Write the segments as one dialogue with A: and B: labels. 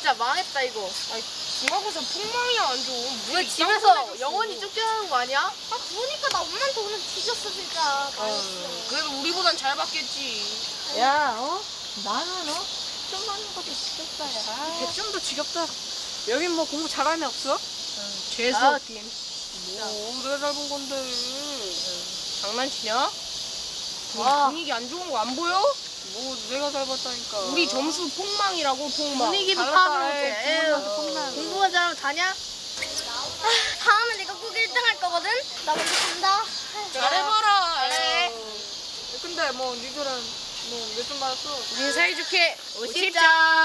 A: 진짜 망했다 이거.
B: 아니 중학교에서 폭망이야 완전.
A: 왜 집에서 영원히 쫓겨나는 거 아니야?
C: 아 그러니까 나 엄마한테 오늘 뒤졌어 진짜.
B: 그래도 우리보단 잘 받겠지.
A: 야, 나는 좀 하는 것도 지겹다, 야.
B: 백점도 지겹다. 여긴 뭐 공부 잘하는 애 없어? 재수
A: 아,
B: 없긴. 뭐 내가 잘 본 건데. 장난치냐?
A: 와.
B: 분위기 안 좋은 거 안 보여? 뭐 내가 잘 봤다니까. 우리 점수 폭망이라고 폭망.
A: 분위기도
B: 잘났다.
A: 파악을
B: 에이,
A: 못해.
B: 분위기도 폭망.
A: 공부만 잘하면 다냐?
C: 다음에 내가 꼭 1등 할 거거든. 나 먼저 간다.
B: 잘해봐라.
A: 잘해.
B: 에이. 근데 뭐 니들은 뭐 몇 점 받았어?
A: 우리 사이좋게 50점.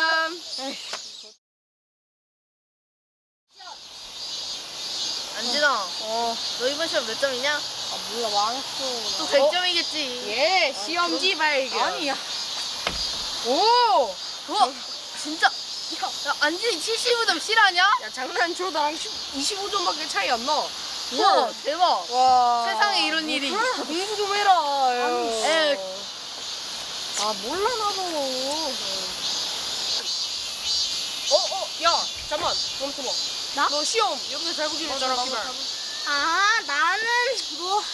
A: 안진아, 너 이번 시험 몇 점이냐?
B: 아 몰라 망했어.
A: 또 100점이겠지.
B: 예, 시험지 발견.
A: 아니야.
B: 오!
A: 우와, 진짜. 야, 안진이 75점 실화냐?
B: 야 장난쳐 나랑 25점밖에 차이 안 나.
A: 우와, 대박.
B: 와.
A: 세상에 이런 일이.
B: 공부 좀 해라.
A: 에이.
B: 아 몰라 나도. 야 잠만 멈춰봐.
C: 나?
B: 너 시험 여기서 잘 보기로 했잖아. 기발.
C: 아 나는 뭐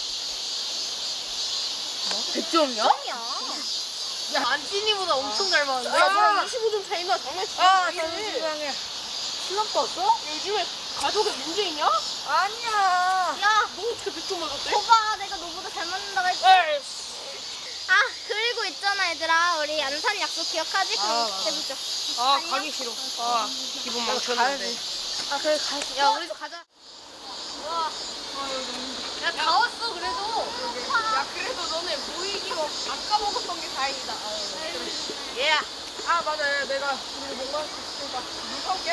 A: 100점이야?
C: 야
A: 야, 안진이보다 엄청 잘 봤는데?
B: 야 너랑 25점 차이나 장난치지. 아 장난해.
A: 시험 봤어?
B: 요즘에 가족에 문제 있냐?
A: 아니야.
C: 야,
B: 너 어떻게 100점 맞았대?
C: 거봐 내가 너보다 잘 맞는다고 했지.
B: 에이.
C: 아 그리고 있잖아 얘들아 우리 안산 약속 기억하지? 그럼
B: 아,
C: 그때 보자.
B: 아 가기 싫어. 아 기분 망쳤는데.
A: 아, 그래, 가자. 야, 우리도 가자. 와. 야, 다 왔어, 그래도.
B: 야 그래도 너네 모이기로 아까 먹었던 게 다행이다.
A: 예.
B: 아 맞아 내가 우리 못 마셨으니까 물 사올게.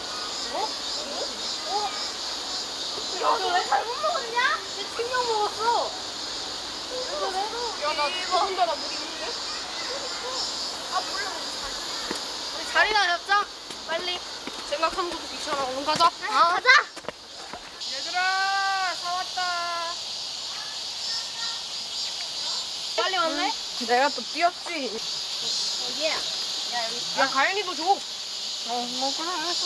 A: 야, 너 왜 잘못 먹었냐? 내 친구 먹었어.
B: 야나 더군다나 물 있는데?
A: 우리 자리나 잡자. 빨리.
B: 생각하는 것도 귀찮아. 얼른 가자.
C: 가자.
B: 얘들아 사왔다.
A: 빨리 왔네?
B: 내가 또 뛰었지.
C: 어디야?
B: 야 가연이도 줘.
A: 뭐, 그래, 알았어.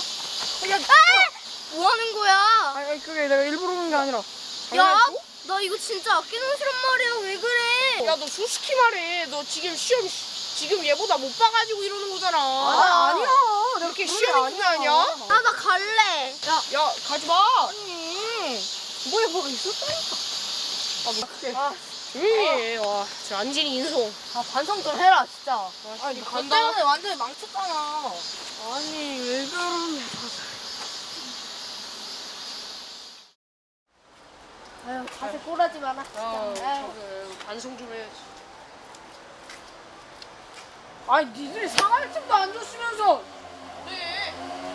C: 뭐 하는 거야?
B: 아니 그게 내가 일부러 그런 게 아니라.
C: 야, 나 이거 진짜 아끼는 싫란 말이야. 왜 그래?
B: 야너 솔직히 말해. 너 지금 시험 지금 얘보다 못 봐가지고 이러는 거잖아.
A: 아니야.
B: 내가 그렇게 시험이 중요하냐?
C: 아, 나 갈래.
B: 야 가지 마.
A: 뭐가 있었다니까.
B: 조용히 해. 와, 저 안진이 인성.
A: 아, 반성 좀 해라, 진짜.
B: 아니
A: 너 때문에 완전히 망쳤잖아.
B: 아니 왜 그러냐.
A: 아유, 자세 꼬라지 마라.
B: 저기 반성 좀 해야지. 아니 니들이 상할 틈도 안 줬으면서. 네.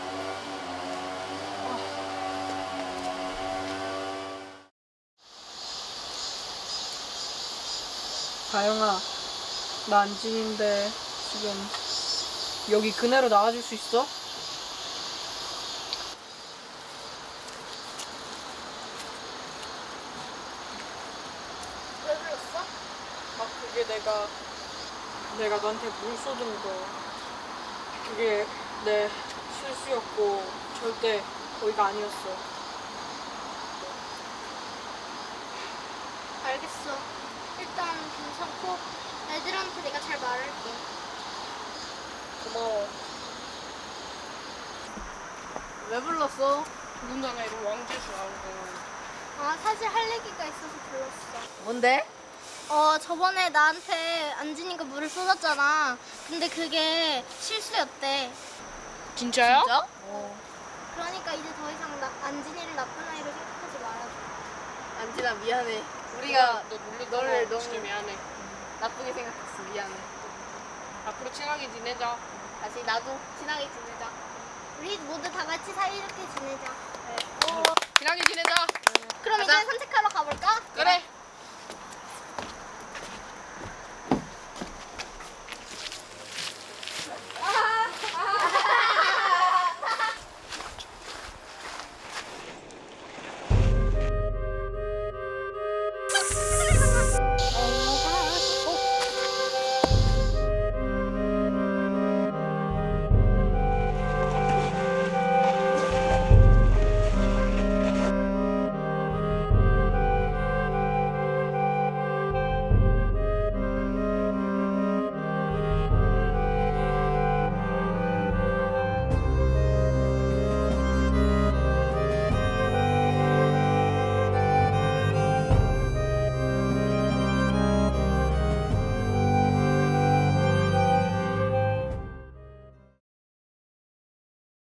B: 가영아, 나 안진인데 지금 여기 그네로 나와줄 수 있어?
C: 왜 불렀어?
B: 아 그게 내가 너한테 물 쏟은 거 그게 내 실수였고 절대 거기가 아니었어.
C: 알겠어. 일단 괜찮고 애들한테 내가 잘 말할게.
B: 고마워.
A: 왜 불렀어?
B: 더군다나 이런 왕재수 나오고.
C: 아, 사실 할 얘기가 있어서 불렀어.
A: 뭔데?
C: 저번에 나한테 안진이가 물을 쏟았잖아. 근데 그게 실수였대.
B: 진짜요?
A: 진짜?
C: 그러니까 이제 더 이상 안진이를 나쁜 아이로 생각하지 말아줘.
A: 안진아, 미안해. 우리가
B: 너 놀랬던
A: 너를
B: 거
A: 너무
B: 진짜 미안해.
A: 나쁘게 생각했어. 미안해.
B: 앞으로 친하게 지내자.
A: 다시 나도 친하게 지내자.
C: 우리 모두 다 같이 사이좋게 지내자.
B: 친하게 지내자.
C: 그럼
A: 가자.
C: 이제 산책하러 가볼까?
B: 그래.